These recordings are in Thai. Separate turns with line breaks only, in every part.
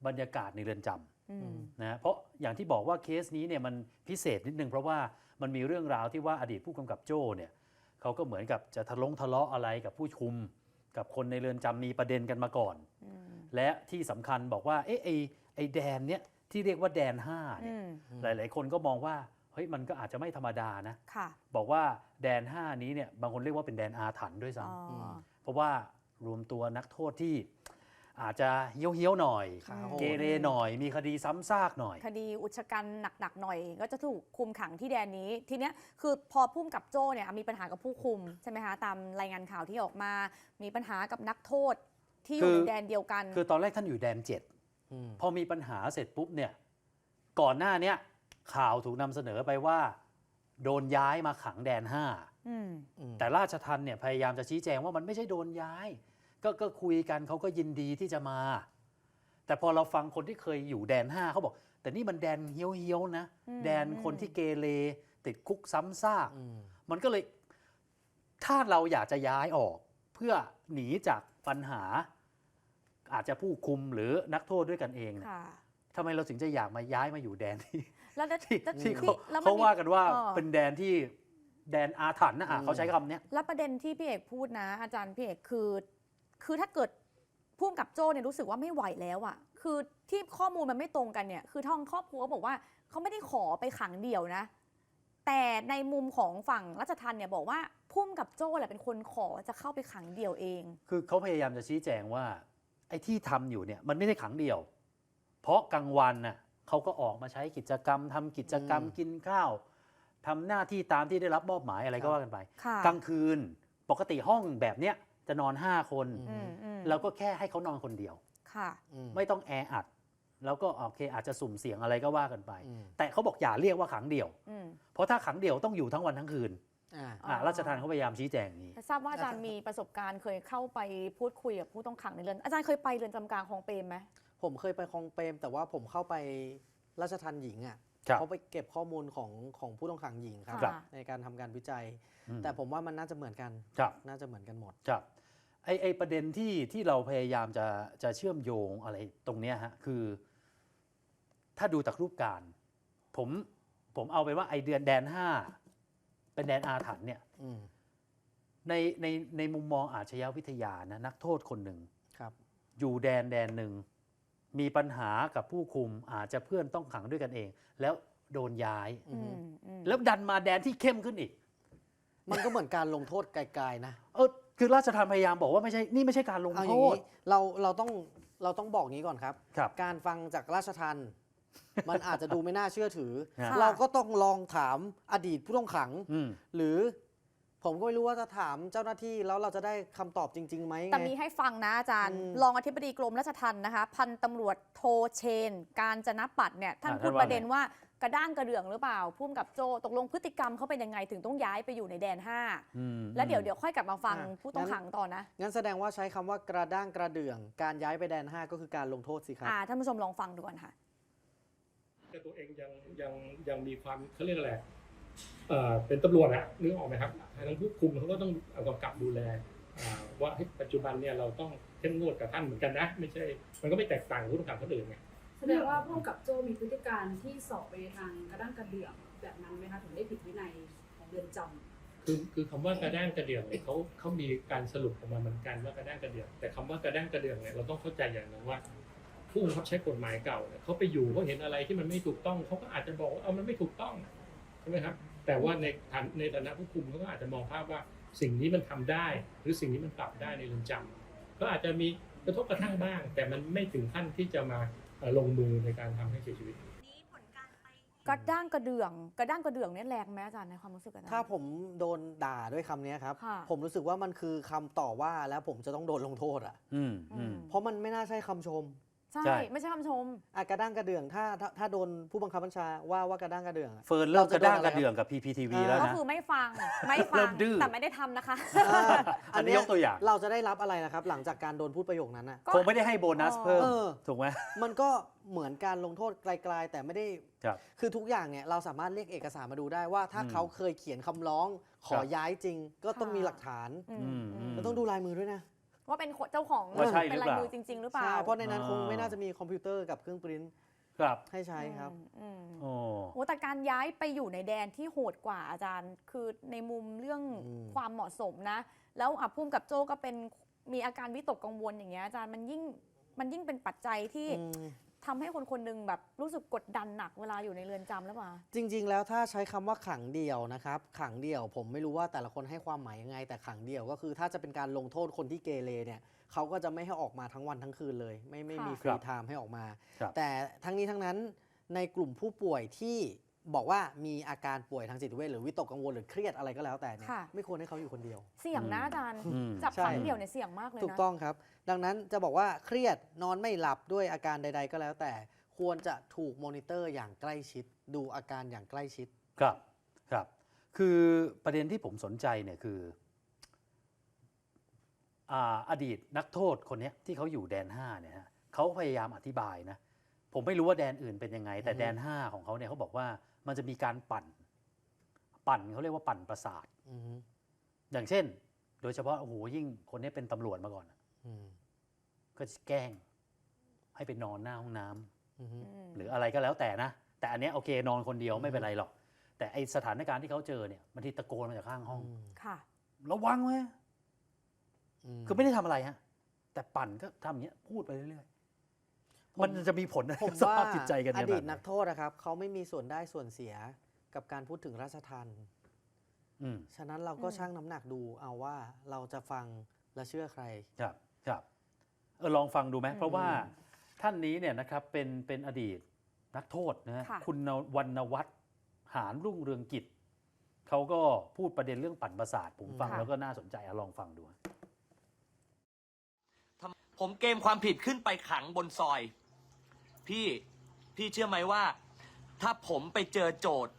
บรรยากาศในเรือนจำนะเพราะอย่างที่บอกว่าเคสนี้เนี่ยมันพิเศษนิดนึงเพราะว่ามันมีเรื่องราวที่ว่าอดีตผู้กำกับโจ้เนี่ยเขาก็เหมือนกับจะทะเลาะอะไรกับผู้คุมกับคนในเรือนจำมีประเด็นกันมาก่อนและที่สำคัญบอกว่าไอ้แดนเนี่ยที่เรียกว่าแดน5เนี่ยหลายๆคนก็มองว่าเฮ้ยมันก็อาจจะไม่ธรรมดานะบอกว่าแดน5นี้เนี่ยบางคนเรียกว่าเป็นแดนอาถรรพ์ด้วยซ้ำเพราะว่ารวมตัวนักโทษที่อาจจะเหี้ยวๆหน่อยเกเรหน่อยมีคดีซ้ำซากหน่อย
คดีอุกชะกันหนักๆหน่อยก็จะถูกคุมขังที่แดนนี้ทีเนี้ยคือพอพุ่มกับโจ้เนี่ยมีปัญหากับผู้คุมใช่ไหมคะตามรายงานข่าวที่ออกมามีปัญหากับนักโทษที่อยู่ในแดนเดียวกัน
คือตอนแรกท่านอยู่แดน7พอมีปัญหาเสร็จปุ๊บเนี่ยก่อนหน้านี้ข่าวถูกนำเสนอไปว่าโดนย้ายมาขังแดน5แต่ราชทัณฑ์เนี่ยพยายามจะชี้แจงว่ามันไม่ใช่โดนย้ายก็คุยกันเขาก็ยินดีที่จะมาแต่พอเราฟังคนที่เคยอยู่แดน5เขาบอกแต่นี่มันแดนเฮี้ยวๆนะแดนคนที่เกเรติดคุกซ้ำซากมันก็เลยถ้าเราอยากจะย้ายออกเพื่อหนีจากปัญหาอาจจะผู้คุมหรือนักโทษด้วยกันเองทำไมเราถึงจะอยากมาย้ายมาอยู่แดนที่เขาว่ากันว่าเป็นแดนที่แดนอาถรรพ์นะเขาใช้คำนี้
แล้วประเด็นที่พี่เอกพูดนะอาจารย์พี่เอกคือถ้าเกิดพุ่มกับโจ้เนี่ยรู้สึกว่าไม่ไหวแล้วอ่ะคือที่ข้อมูลมันไม่ตรงกันเนี่ยคือท้องครอบครัวบอกว่าเขาไม่ได้ขอไปขังเดี่ยวนะแต่ในมุมของฝั่งราชทัณฑ์เนี่ยบอกว่าพุ่มกับโจ้แหละเป็นคนขอจะเข้าไปขังเดี่ยวเอง
คือเขาพยายามจะชี้แจงว่าไอ้ที่ทำอยู่เนี่ยมันไม่ได้ขังเดี่ยวเพราะกลางวันน่ะเขาก็ออกมาใช้กิจกรรมทำกิจกรรมกินข้าวทำหน้าที่ตามที่ได้รับมอบหมายอะไรก็ว่ากันไปกลางคืนปกติห้องแบบเนี้ยจะนอน5 คนแล้วก็แค่ให้เขานอนคนเดียวไม่ต้องแออัดแล้วก็โอเคอาจจะสุ่มเสี่ยงอะไรก็ว่ากันไปแต่เขาบอกอย่าเรียกว่าขังเดี่ยวเพราะถ้าขังเดี่ยวต้องอยู่ทั้งวันทั้งคืนราชทัณฑ์เขาพยายามชี้แจงนี้
ทราบว่าอาจารย์มีประสบการณ์เคยเข้าไปพูดคุยกับผู้ต้องขังในเรือนอาจารย์เคยไปเรือนจำกลางคลองเปรมไหม
ผมเคยไปคลองเปรมแต่ว่าผมเข้าไปราชทัณฑ์หญิงอ่ะเขาไปเก็บข้อมูลของผู้ต้องขังหญิงครับในการทำการวิจัยแต่ผมว่ามันน่าจะเหมือนกันน่าจะเหมือนกันหมด
ไอประเด็นที่เราพยายามจะเชื่อมโยงอะไรตรงนี้ฮะคือถ้าดูจากรูปการผมเอาไปว่าไอเดือนแดน5เป็นแดนอาถรรพ์เนี่ยในมุมมองอาชญาวิทยานะนักโทษคนหนึ่งอยู่แดนหนึ่งมีปัญหากับผู้คุมอาจจะเพื่อนต้องขังด้วยกันเองแล้วโดนย้ายแล้วดันมาแดนที่เข้มขึ้นอีก
มันก็เหมือนการลงโทษไกลๆนะ
คือราชทัณฑ์พยายามบอกว่านี่ไม่ใช่การลงโทษ
เราต้องบอกงี้ก่อนครับการฟังจากราชทัณฑ์มันอาจจะดูไม่น่าเชื่อถือเราก็ต้องลองถามอดีตผู้ต้องขังหรือผมก็ไม่รู้ว่าจะถามเจ้าหน้าที่แล้วเราจะได้คำตอบจริงๆไหม
แต่มีให้ฟังนะอาจารย์รองอธิบดีกรมราชทัณฑ์นะคะพันตำรวจโทเชนการจนปัตย์เนี่ยท่านพูดประเด็นว่ากระด้างกระเดื่องหรือเปล่าพุ่มกับโจตกลงพฤติกรรมเขาเป็นยังไงถึงต้องย้ายไปอยู่ในแดน5แล้วเดี๋ยวค่อยกลับมาฟังผู้ต้องขังต่อนะ
งั้นแสดงว่าใช้คำว่ากระด้างกระเดื่องการย้ายไปแดน5ก็คือการลงโทษสิครับ
ท่านผู้ชมลองฟังดูกันค่ะ
แต่ตัวเองยังมีความเขาเรียกอะไรเป็นตำรวจอะนึกออกไหมครับทั้งผู้คุมเขาก็ต้องกำกับดูแลว่าปัจจุบันเนี่ยเราต้องเข้มงวดกับท่านเหมือนกันนะไม่ใช่มันก็ไม่แตกต่างผู้ต้องขังคนอื่นไง
แสดงว่าผู้กำกับโจ้มีพฤติการที่สอบไปทางกระด้างกระเดื่องแบบนั้นไหมคะถึงได้ผิดวินัยของเรือนจำ
คือคำว่ากระด้างกระเดื่องเนี่ยเขามีการสรุปออกมาเหมือนกันว่ากระด้างกระเดื่องแต่คำว่ากระด้างกระเดื่องเนี่ยเราต้องเข้าใจอย่างนึงว่าผู้บังคับใช้กฎหมายเก่าเขาไปอยู่เขาเห็นอะไรที่มันไม่ถูกต้องเขาก็อาจจะบอกว่ามันไม่ถูกต้องใช่ไหมครับแต่ว่าในฐานะผู้คุมเขาก็อาจจะมองภาพว่าสิ่งนี้มันทำได้หรือสิ่งนี้มันปรับได้ในเรือนจำก็อาจจะมีกระทบกระทั่งบ้างแต่มันไม่ถึงขั้นที่จะมาลงมือในการทำให้เสียชีวิต
กระด้างกระเดื่องเนี่ยแรงไหมอาจารย์ในความรู้สึก
ถ้าผมโดนด่าด้วยคำนี้ครับผมรู้สึกว่ามันคือคำต่อว่าแล้วผมจะต้องโดนลงโทษอ่ะเพราะมันไม่น่าใช่คำชม
ใช่ไม่ใช่คำชม
กระด้างกระเดื่องถ้าโดนผู้บังคับบัญชาว่ากระด้างกระเดื่อง
เฟิร์นเริ่มกระด้างกระเดื่องกับ PPTV แล้วนะ
ก็คือไม่ฟังแต่ไม่ได้ทำนะคะ
อันนี้ยกตัวอย่าง
เราจะได้รับอะไรนะครับหลังจากการโดนพูดประโยคนั้นน่ะ
คงไม่ได้ให้โบนัสเพิ่มถูกไหม
มันก็เหมือนการลงโทษไกลๆแต่ไม่ได้คือทุกอย่างเนี่ยเราสามารถเรียกเอกสารมาดูได้ว่าถ้าเขาเคยเขียนคำร้องขอย้ายจริงก็ต้องมีหลักฐานแล้วต้องดูลายมือด้วยนะ
ว่าเป็นเจ้าของ
ว่าใช่ห
เป็
รื
น
อ
ลาย
เปล่า
มือจริง ๆ หรือเปล่า
ใช่เพราะในนั้น
อ๋อ
คงไม่น่าจะมีคอมพิวเตอร์กับเครื่องปริ้นท์
ครับ
ให้ใช้ครับ
โอ้
โอ้แต่การย้ายไปอยู่ในแดนที่โหดกว่าอาจารย์ คือในมุมเรื่อง ความเหมาะสมนะ แล้วพุ่มกับโจ้ก็เป็นมีอาการวิตกกังวลอย่างเงี้ยอาจารย์มันยิ่งเป็นปัจจัยที่ทำให้คนคนหนึงแบบรู้สึกกดดันหนักเวลาอยู่ในเรือนจำแล้วป่ะ
จริง ๆ แล้วถ้าใช้คำว่าขังเดี่ยวนะครับขังเดี่ยวผมไม่รู้ว่าแต่ละคนให้ความหมายยังไง แต่ขังเดี่ยวก็คือถ้าจะเป็นการลงโทษคนที่เกเรเนี่ยเขาก็จะไม่ให้ออกมาทั้งวันทั้งคืนเลย ไม่มีฟ
ครั
รี
บ
ไทม์ให้ออกมา
ครับ
แต่ทั้งนี้ทั้งนั้นในกลุ่มผู้ป่วยที่บอกว่ามีอาการป่วยทางจิตเวชหรือวิตกกังวลหรือเครียดอะไรก็แล้วแต่เนี่ย
ค่ะ
ไม่ควรให้เขาอยู่คนเดียว
เสี่ยงนะอาจารย์
อืม
จับ
ใช่
ขังเดี่ยวเนี่ยเสี่ยงมากเลยนะ
ถูกต้องครับ ดังนั้นจะบอกว่าเครียดนอนไม่หลับด้วยอาการใด ๆ ก็แล้วแต่ ควรจะถูกมอนิเตอร์อย่างใกล้ชิด ดูอาการอย่างใกล้ชิด
ครับครับ คือประเด็นที่ผมสนใจเนี่ยคืออดีตนักโทษคนเนี้ยที่เขาอยู่แดน 5เนี่ยฮะเขาพยายามอธิบายนะผมไม่รู้ว่าแดนอื่นเป็นยังไง แต่แดน 5 ของเขาเนี่ยเขาบอกว่ามันจะมีการปั่นเขาเรียกว่าปั่นประสาท
อือฮึ
อย่างเช่น โดยเฉพาะโอ้โหยิ่งคนนี้เป็นตำรวจมาก่อน
อืม
ก็จะแกล้งให้ไปนอนหน้าห้องน้ำ
อือฮึ
หรืออะไรก็แล้วแต่นะ แต่อันเนี้ยโอเคนอนคนเดียวไม่เป็นไรหรอก แต่ไอสถานการณ์ที่เขาเจอเนี่ยบางทีตะโกนมาจากข้างห้อง
ค่ะ
ระวังไว้
ม
คือไม่ได้ทำอะไรฮะ แต่ปั่นก็ทำอย่างเงี้ยพูดไปเรื่อยๆ มันจะมีผลอะไร
ผม
กับส
ว่า
ภาพจิตใจกัน
อ
เนี่ย
ดี
แบ
ต
บไห
นักโทษนะครับเขาไม่มีส่วนได้ส่วนเสียกับการพูดถึงราชทัณฑ์
อืม
ฉะนั้นเราก็
อืม
ชั่งน้ำหนักดูเอาว่าเราจะฟังและเชื่อใคร
ครับครับลองฟังดูไหมเพราะว่าท่านนี้เนี่ยนะครับเป็นอดีตนักโทษนะฮะ
ค่ะ
คุณวรรณวัฒน์หารรุ่งเรืองกิจเขาก็พูดประเด็นเรื่องปั่นประสาทผมฟัง
ค่ะ
แล้วก็น่าสนใจลองฟังดู
ผมเกมความผิดขึ้นไปขังบนซอย พี่เชื่อไหมว่า ถ้าผมไปเจอโจทย์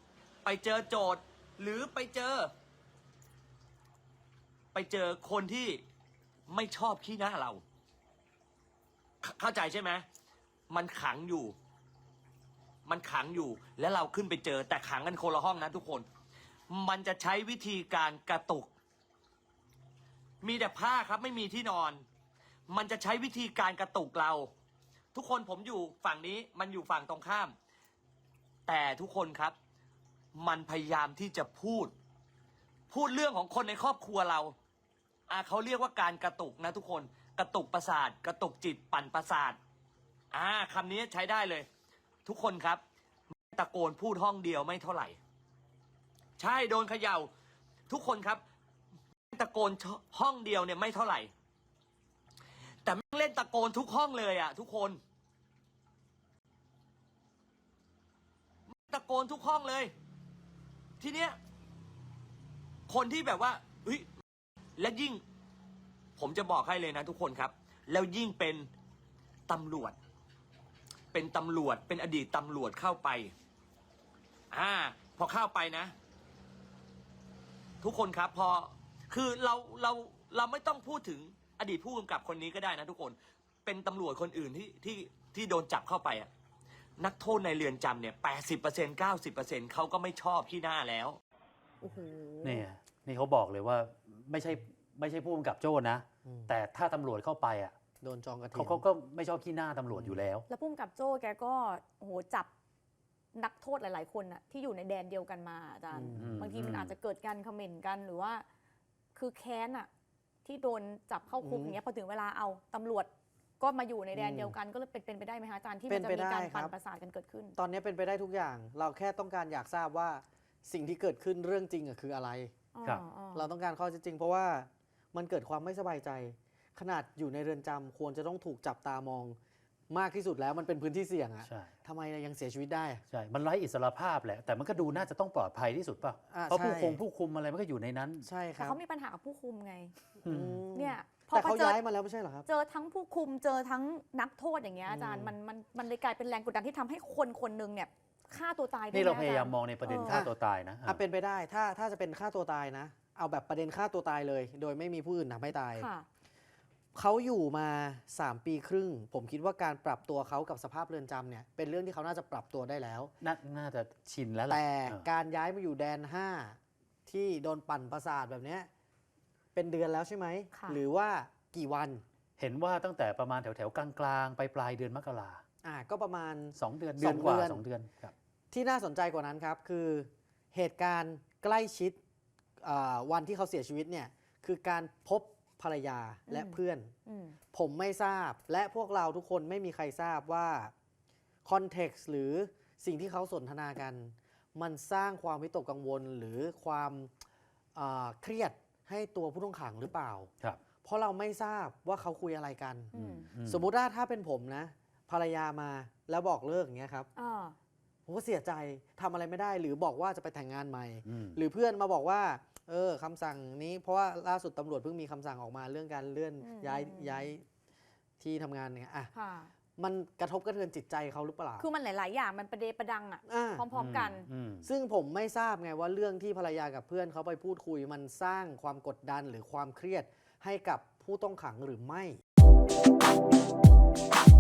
หรือไปเจอคนที่ไม่ชอบขี้หน้าเรา เข้าใจใช่ไหมมันขังอยู่ และเราขึ้นไปเจอแต่ขังกันคนละห้องนะทุกคน มันจะใช้วิธีการกระตุก มีแต่ผ้าครับไม่มีที่นอน มันจะใช้วิธีการกระตุกเรา ทุกคนผมอยู่ฝั่งนี้มันอยู่ฝั่งตรงข้าม แต่ทุกคนครับ มันพยายามที่จะพูดเรื่องของคนในครอบครัวเราเขาเรียกว่าการกระตุกนะทุกคนกระตุกประสาท กระตุกจิตปั่นประสาทคำนี้ใช้ได้เลย ทุกคนครับตะโกนพูดห้องเดียวไม่เท่าไหร่ ใช่โดนเขย่าทุกคนครับตะโกนห้องเดียวเนี่ยไม่เท่าไหร่ แต่แม่งเล่นตะโกนทุกห้องเลยอ่ะทุกคนตะโกนทุกห้องเลย ทีเนี้ยคนที่แบบว่าเฮ้ยและยิ่งผมจะบอกให้เลยนะทุกคนครับแล้วยิ่งเป็นตำรวจเป็นอดีตตำรวจเข้าไปพอเข้าไปนะ ทุกคนครับพอคือเราไม่ต้องพูดถึงอดีตผู้กำกับคนนี้ก็ได้นะทุกคนเป็นตำรวจคนอื่นที่โดนจับเข้าไปนักโทษในเรือนจำเนี่ย 80% 90% เขาก็ไม่ชอบขี้หน้าแล้ว
โอ้โห
นี่เขาบอกเลยว่าไม่ใช่ผู้กำกับโจ้นะ แต่ถ้าตำรวจเข้าไป
โดนจองกระถิ่น
เขาก็ไม่ชอบขี้หน้าตำรวจอยู่แล้ว
แล้วพุ่มกับโจ้แกก็โอ้โหจับนักโทษหลาย ๆ คนอะที่อยู่ในแดนเดียวกันมาอาจารย์ บางทีมันอาจจะเกิดการคอมเมนต์กันหรือว่า คือแค้นอะที่โดนจับเข้าคุกอย่างเงี้ยพอถึงเวลาเอาตำรวจก็มาอยู่ในแดนเดียวกันก็เลยเป็นไปได้ไหมคะอาจารย์ที่มันจะมีการปั่นประสาทกันเกิดขึ้น
ตอนนี้เป็นไปได้ทุกอย่าง เราแค่ต้องการอยากทราบว่าสิ่งที่เกิดขึ้นเรื่องจริงคืออะไร
ครับ
เราต้องการข้อเท็จจริงเพราะว่ามันเกิดความไม่สบายใจ ขนาดอยู่ในเรือนจำควรจะต้องถูกจับตามองมากที่สุดแล้วมันเป็นพื้นที่เสี่ยงอะ
ใช่
ทำไมยังเสียชีวิตได้อะ
ใช่ มันไร้อิสรภาพแหละ แต่มันก็ดูน่าจะต้องปลอดภัยที่สุดป่ะ เพราะ
ใช่
ผู้คุมอะไรมันก็อยู่ในนั้น
ใช่ค
แต่
รับ
เขามีปัญหากับผู้คุมไง
อืม
เนี่ยพอ
แต่เขา
เจอ
ย้ายมาแล้วไม่ใช่เหรอครับ
เจอทั้งผู้คุมเจอทั้งนักโทษอย่างเงี้ยอาจารย์มันเลยกลายเป็นแรงกดดันที่ทำให้คนคนหนึ่งเนี่ยฆ่าตัวตายได้
นี่เรา
ไห
พยายามมองในประเด็นฆ่าตัวตายนะ
เป็นไปได้ถ้าจะเป็นฆ่าตัวตายนะ เอาแบบประเด็นฆ่าตัวตายเลย โดยไม่มีผู้อื่นทำให้ตาย
ค่ะ
เขาอยู่มา 3 ปีครึ่ง ผมคิดว่าการปรับตัวเขากับสภาพเรือนจำเนี่ยเป็นเรื่องที่เขาน่าจะปรับตัวได้แล้ว
น่าจะชินแล้วแหละ
แต่
เออ
การย้ายมาอยู่แดน 5 ที่โดนปั่นประสาทแบบเนี้ยเป็นเดือนแล้วใช่ไหม
ค่ะ
หรือว่ากี่วัน
เห็นว่าตั้งแต่ประมาณแถวๆกลางๆไปปลายเดือนมกรา
ก็ประมาณ
2 เดือน
สอง
กว่า
เดือน
2 เดือนครับ
ที่น่าสนใจกว่านั้นครับคือเหตุการณ์ใกล้ชิดวันที่เขาเสียชีวิตเนี่ยคือการพบภรรยาและเพื่อน ผมไม่ทราบและพวกเราทุกคนไม่มีใครทราบว่าคอนเท็กซ์หรือสิ่งที่เขาสนทนากัน มันสร้างความวิตกกังวลหรือความเครียดให้ตัวผู้ต้องขังหรือเปล่า
ครับ
เพราะเราไม่ทราบว่าเขาคุยอะไรกัน สมมุติว่าถ้าเป็นผมนะภรรยามาแล้วบอกเลิกอย่างเงี้ยครับผมก็เสียใจทำอะไรไม่ได้หรือบอกว่าจะไปแต่งงานใหม่ หรือเพื่อนมาบอกว่าคำสั่งนี้เพราะว่าล่าสุดตำรวจเพิ่งมีคำสั่งออกมาเรื่องการเลื่อนย้ายที่ทำงานเนี่ยมันกระทบกระเทือนจิตใจเขาหรือเปล่า
คือมันหลาย ๆ อย่างมันประเดประดังอ่ะพร้อม ๆ กัน
ซึ่งผมไม่ทราบไงว่าเรื่องที่ภรรยากับเพื่อนเขาไปพูดคุยมันสร้างความกดดันหรือความเครียดให้กับผู้ต้องขังหรือไม่